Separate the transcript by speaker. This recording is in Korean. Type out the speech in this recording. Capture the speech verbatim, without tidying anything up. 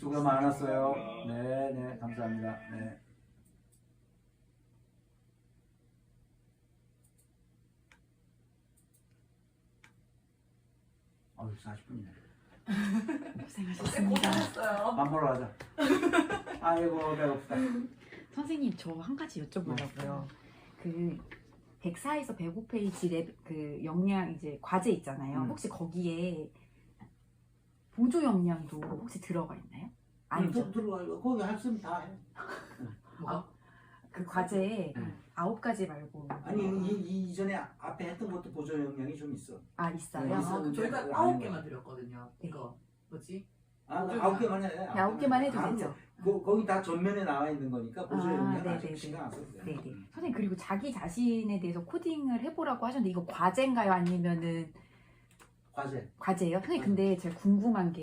Speaker 1: 수고 많았어요. 네, 네, 감사합니다. 네. 어휴, 사십 분이네.
Speaker 2: 고생하셨습니다.
Speaker 3: 고생했어요.
Speaker 1: 밥 먹으러 가자. 아이고, 배고프다.
Speaker 2: 선생님 저 한 가지 여쭤보려고요. 그 백사에서 백오 페이지 랩, 그 역량 이제 과제 있잖아요.
Speaker 1: 음.
Speaker 2: 혹시 거기에 보조 역량도 혹시 들어가 있나요? 아니죠.
Speaker 1: 좀 들어가. 거기 할 수 있으면 다 해.
Speaker 3: 뭐가?
Speaker 2: 그 과제에
Speaker 1: 음.
Speaker 2: 아홉 가지 말고
Speaker 1: 아니, 이, 이 이전에 앞에 했던 것도 보조 영향이 좀 있어.
Speaker 2: 아 있어요.
Speaker 1: 네,
Speaker 3: 아,
Speaker 1: 있어.
Speaker 3: 저희가
Speaker 1: 근데
Speaker 3: 아홉
Speaker 1: 아닌
Speaker 3: 개만
Speaker 1: 거야.
Speaker 3: 드렸거든요.
Speaker 2: 네.
Speaker 3: 이거 뭐지?
Speaker 1: 아,
Speaker 3: 보조
Speaker 1: 아홉 개만 해.
Speaker 2: 네, 아홉 개만 해도
Speaker 1: 아,
Speaker 2: 되죠.
Speaker 1: 그, 거기 다 전면에 나와 있는 거니까 보조
Speaker 2: 아,
Speaker 1: 영향
Speaker 2: 네네네.
Speaker 1: 아직 신경 안 써도 돼.
Speaker 2: 네네. 선생님 그리고 자기 자신에 대해서 코딩을 해보라고 하셨는데 이거 과제인가요? 아니면은
Speaker 1: 과제.
Speaker 2: 과제예요? 선생님 근데 제가 궁금한 게